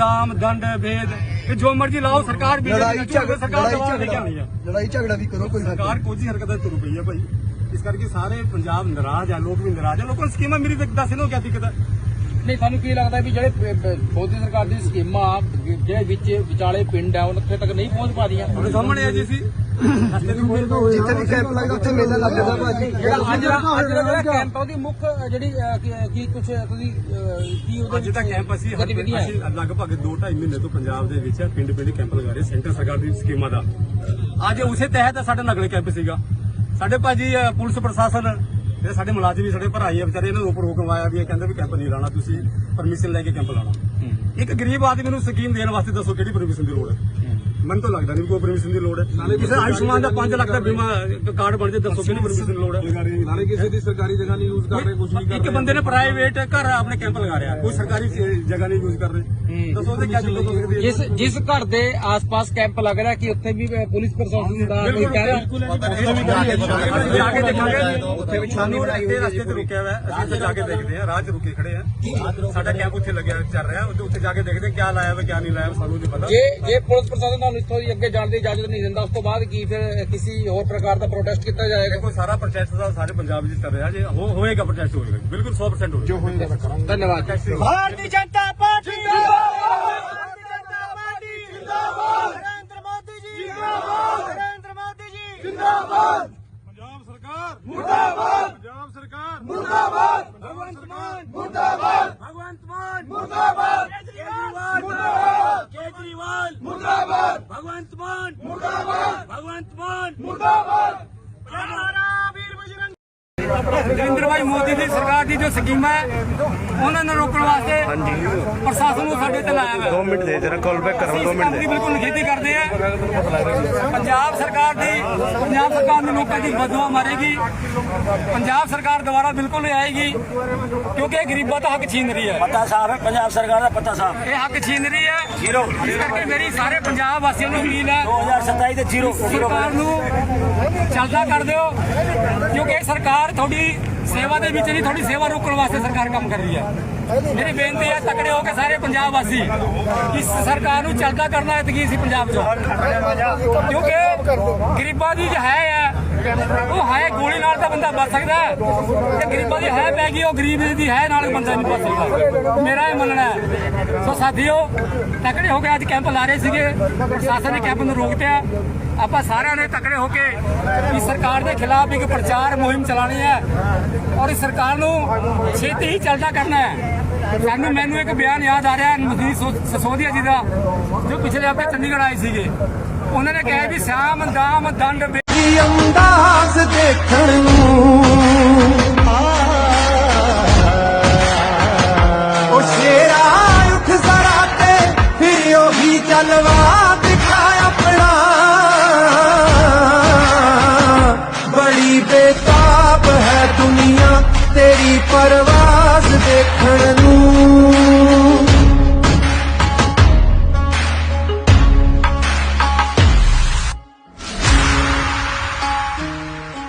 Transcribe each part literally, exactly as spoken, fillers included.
दाम दंड भेद जो मर्जी लाओ सरकार लड़ाई झगड़ा भी करो कोई सरकार कुछ ही हरकत तुर पई है भाई इस करके सारे पंजाब नाराज है लोग भी नाराज है लोगों ने स्कीम मेरी दस नो क्या दिक्कत है नहीं थानू की लगता है भी ਜਿਹੜੇ ਮੋਦੀ ਸਰਕਾਰ ਦੀ ਸਕੀਮਾਂ ਜਿਹੜੇ ਵਿੱਚ ਵਿਚਾਲੇ ਪਿੰਡ ਆ ਉੱਥੇ ਤੱਕ ਨਹੀਂ ਪਹੁੰਚ ਪਾ ਰਹੀਆਂ ਉਹਦੇ ਸਾਹਮਣੇ ਆ ਜੀ ਸੀ ਜਿੱਥੇ ਵੀ ਕੈਂਪ ਲੱਗਦਾ ਉੱਥੇ ਮੇਲਾ ਲੱਗਦਾ ਭਾਜੀ ਜਿਹੜਾ ਅੱਜ ਅੱਜ ਦਾ ਜਿਹੜਾ ਕੈਂਪ ਉਹਦੀ ਮੁੱਖ ਜਿਹੜੀ ਕੀ ਕੁਝ ਤੁਸੀਂ ਕੀ ਉਹਦੇ ਅੱਜ ਦਾ ਕੈਂਪ ਅਸੀਂ ਅਸੀਂ ਲਗਭਗ ਦੋ ਢਾਈ ਮਹੀਨੇ ਤੋਂ ਪੰਜਾਬ ਦੇ ਵਿੱਚ ਪਿੰਡ ਪਿੰਡ ਕੈਂਪ ਲਗਾ ਰਹੇ ਸੈਂਟਰ ਸਰਕਾਰ ਦੀ ਸਕੀਮਾਂ ਦਾ ਅੱਜ ਉਸੇ ਤਹਿਤ ਸਾਡਾ ਨਗਲੇ ਕੈਂਪ ਸੀਗਾ ਸਾਡੇ ਭਾਜੀ ਪੁਲਿਸ ਪ੍ਰਸ਼ਾਸਨ ਇਹ ਸਾਡੇ ਮੁਲਾਜ਼ਮ ਵੀ ਸਾਡੇ ਭਰਾਈ ਆ ਵਿਚਾਰੇ ਇਹਨਾਂ ਨੂੰ ਉੱਪਰ ਹੁਕਮ ਆਇਆ ਵੀ ਇਹ ਕਹਿੰਦੇ ਵੀ ਕੈਂਪ ਨਹੀਂ ਲਾਣਾ ਤੁਸੀਂ ਪਰਮਿਸ਼ਨ ਲੈ ਕੇ ਕੈਂਪ ਲਾਣਾ ਇੱਕ ਗਰੀਬ ਆਦਮੀ ਨੂੰ ਸਕੀਮ ਦੇਣ ਵਾਸਤੇ ਦੱਸੋ ਕਿਹੜੀ ਪਰਮਿਸ਼ਨ ਦੀ ਲੋੜ ਹੈ ਮੈਨੂੰ ਤਾਂ ਲੱਗਦਾ ਨਹੀਂ ਕੋਈ ਪਰਮਿਸ਼ਨ ਦੀ ਲੋੜ ਹੈ ਕਿਸੇ ਆਯੁਸ਼ਮਾਨ ਦਾ ਪੰਜ ਲੱਖ ਦਾ ਬੀਮਾ ਕਾਰਡ ਬਣ ਜੇ ਦੱਸੋ ਕਿਹੜੀ ਪਰਮਿਸ਼ਨ ਦੀ ਲੋੜ ਹੈ ਨਾਲੇ ਕਿਸੇ ਦੀ ਸਰਕਾਰੀ ਜਗ੍ਹਾ ਨਹੀਂ ਯੂਜ਼ ਕਰ ਰਹੇ ਕੁਝ ਨਹੀਂ ਕਰ ਇੱਕ ਬੰਦੇ ਨੇ ਪ੍ਰਾਈਵੇਟ ਘਰ ਆਪਣੇ ਕੈਂਪ ਲਗਾ ਰਿਹਾ ਕੋਈ ਸਰਕਾਰੀ ਜਗ੍ਹਾ ਨਹੀਂ ਯੂਜ਼ ਕਰ ਰਹੇ ਦੱਸੋ ਉਹਦੇ ਕੀ ਦਿੱਕਤ ਹੋ ਸਕਦੀ ਹੈ ਜਿਸ ਜਿਸ ਘਰ ਦੇ ਆਸ-ਪਾਸ ਕੈਂਪ ਲੱਗ ਰਿਹਾ ਕਿ ਉੱਥੇ ਵੀ ਪੁਲਿਸ ਪ੍ਰਸ਼ਾਸਨ ਦਾ ਕੋਈ ਕਹਿ ਰਿਹਾ ਜਾ ਕੇ ਦੇਖਾਂਗੇ ਉੱਥੇ ਵੀ ਸਾਨੂੰ ਰਸਤੇ ਰਸਤੇ ਤੇ ਰੁਕਿਆ ਹੋਇਆ ਅਸੀਂ ਉੱਥੇ ਜਾ ਕੇ ਦੇਖਦੇ ਹਾਂ ਰਾਹ 'ਚ ਰੁਕੇ ਖੜੇ ਆ ਸਾਡਾ ਕੈਂਪ ਉੱਥੇ ਲੱਗਿਆ ਚੱਲ ਰਿਹਾ ਉੱਥੇ ਜਾ ਕੇ ਦੇਖਦੇ ਕਿਆ ਲਾਇਆ ਵਾ ਕਿਆ ਨਹੀਂ ਲਾਇਆ ਸਾਨੂੰ ਨਹੀਂ ਪਤਾ ਜੇ ਜੇ ਪੁਲਿਸ ਪ੍ਰਸ਼ਾਸਨ ਤੁਹਾਨੂੰ ਇੱਥੋਂ ਦੀ ਅੱਗੇ ਜਾਣ ਦੀ ਇਜਾਜ਼ਤ ਨਹੀਂ ਦਿੰਦਾ ਉਸ ਤੋਂ ਬਾਅਦ ਕੀ ਫਿਰ ਕਿਸੇ ਹੋਰ ਪ੍ਰਕਾਰ ਦਾ ਪ੍ਰੋਟੈਸਟ ਕੀਤਾ ਜਾਏਗਾ ਕੋਈ ਸਾਰਾ ਪ੍ਰੋਟੈਸਟ ਦਾ ਸਾਰੇ ਪੰਜਾਬ ਵਿੱਚ ਕਰ ਰਿਹਾ ਜੇ ਹੋਏਗਾ ਪ੍ਰੋਟੈਸਟ ਹੋਏਗਾ ਬਿਲਕੁਲ ਸੌ ਪ੍ਰਸੈਂਟ ਹੋਏਗਾ ਧੰਨਵਾਦ भारतीय जनता पार्टी भारतीय जनता पार्टी जिंदाबाद नरेंद्र मोदी जी जिंदाबाद नरेंद्र मोदी जी जिंदाबाद पंजाब सरकार मुर्दाबाद पंजाब सरकार मुर्दाबाद भगवंत मान मुर्दाबाद भगवंत मान मुर्दाबाद केजरीवाल मुर्दाबाद केजरीवाल मुर्दाबाद भगवंत मान मुर्दाबाद भगवंत मान मुर्दाबाद हमारा वीर बजरंग नरेंद्र भाई मोदी ਦੀ ਸਰਕਾਰ ਦੀ ਜੋ ਸਕੀਮ ਹੈ ਉਹਨਾਂ ਨੂੰ ਰੋਕਣ ਵਾਸਤੇ ਪ੍ਰਸ਼ਾਸਨ ਨੂੰ ਸਾਡੇ ਤੇ ਲਾਇਆ ਹੋਇਆ ਦੋ ਮਿੰਟ ਦੇ ਜਰਾ ਕਾਲ ਬੈਕ ਕਰੋ ਦੋ ਮਿੰਟ ਦੇ ਬਿਲਕੁਲ ਖੇਤੀ ਕਰਦੇ ਆ ਪੰਜਾਬ ਸਰਕਾਰ ਦੀ ਪੰਜਾਬ ਸਰਕਾਰ ਨੇ ਲੋਕਾਂ ਦੀ ਬਦਦੁਆ ਮਾਰੇਗੀ ਪੰਜਾਬ ਸਰਕਾਰ ਦੁਬਾਰਾ ਬਿਲਕੁਲ ਨਹੀਂ ਆਏਗੀ ਕਿਉਂਕਿ ਇਹ ਗਰੀਬਾਂ ਦਾ ਹੱਕ ਛੀਨ ਰਹੀ ਹੈ पता साहब है पंजाब सरकार का पता साहब ਇਹ ਹੱਕ ਛੀਨ ਰਹੀ ਹੈ जीरो ਇਸ ਕਰਕੇ ਮੇਰੀ ਸਾਰੇ ਪੰਜਾਬ ਵਾਸੀਆਂ ਨੂੰ ਅਪੀਲ ਹੈ दो हजार सताई से जीरो ਸਰਕਾਰ ਨੂੰ ਚੱਲਦਾ ਕਰ ਦਿਓ ਕਿਉਂਕਿ ਇਹ ਸਰਕਾਰ ਤੁਹਾਡੀ ਸੇਵਾ ਦੇ ਵਿੱਚ ਨਹੀਂ ਤੁਹਾਡੀ ਸੇਵਾ ਰੋਕਣ ਵਾਸਤੇ ਸਰਕਾਰ ਕੰਮ ਕਰ ਰਹੀ ਹੈ ਮੇਰੀ ਬੇਨਤੀ ਹੈ ਤਕੜੇ ਹੋ ਕੇ ਸਾਰੇ ਪੰਜਾਬ ਵਾਸੀ ਇਸ ਸਰਕਾਰ ਨੂੰ ਚੱਲਦਾ ਕਰਨਾ ਹੈ ਤਕੀ ਸੀ ਪੰਜਾਬ 'ਚ ਕਿਉਂਕਿ ਗਰੀਬਾਂ ਦੀ ਜੋ ਹੈ ਉਹ ਹੈ ਗੋਲੀ ਨਾਲ ਤਾਂ ਬੰਦਾ ਬਚ ਸਕਦਾ ਤੇ ਗਰੀਬਾਂ ਦੀ ਹੈ ਪੈ ਗਈ ਉਹ ਗਰੀਬ ਦੀ ਹੈ ਨਾਲ ਬੰਦਾ ਨਹੀਂ ਬਚ ਸਕਦਾ ਮੇਰਾ ਇਹ ਮੰਨਣਾ ਹੈ ਸੋ ਸਾਥੀਓ ਤਕੜੇ ਹੋ ਕੇ ਅੱਜ ਕੈਂਪ ਲਾ ਰਹੇ ਸੀਗੇ ਪ੍ਰਸ਼ਾਸਨ ਨੇ ਕੈਂਪ ਨੂੰ ਰੋਕ ਦਿੱਤਾ ਆਪਾਂ ਸਾਰਿਆਂ ਨੇ ਤਕੜੇ ਹੋ ਕੇ ਇਸ ਸਰਕਾਰ ਦੇ ਖਿਲਾਫ ਇੱਕ ਪ੍ਰਚਾਰ ਮੁਹਿੰਮ ਚਲਾਣੀ ਹੈ ਔਰ ਇਸ ਸਰਕਾਰ ਨੂੰ ਛੇਤੀ ਹੀ ਚੱਲਦਾ ਕਰਨਾ ਹੈ ਸਾਨੂੰ ਮੈਨੂੰ ਇੱਕ ਬਿਆਨ ਯਾਦ ਆ ਰਿਹਾ ਮਜੀਦ ਸਸੋਦੀਆ ਜੀ ਦਾ ਜੋ ਪਿਛਲੇ ਹਫ਼ਤੇ ਚੰਡੀਗੜ੍ਹ ਆਏ ਸੀਗੇ ਉਹਨਾਂ ਨੇ ਕਿਹਾ ਵੀ ਸ਼ਾਮ ਦਾਮ ਦੰਡ ਅੰਦਾਜ਼ ਦੇਖਣ ਨੂੰ ਉਹ ਸ਼ੇਰਾ ਉੱਠ ਜ਼ਰਾ ਤੇ ਫਿਰ ਉਹੀ ਜਲਵਾ ਦਿਖਾ ਆਪਣਾ ਬੜੀ ਬੇਤਾਬ ਹੈ ਦੁਨੀਆ ਤੇਰੀ ਪਰਵਾਜ਼ ਦੇਖਣ ਨੂੰ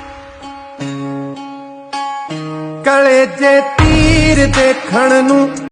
ਕਲੇਜੇ ਤੀਰ ਦੇਖਣ ਨੂੰ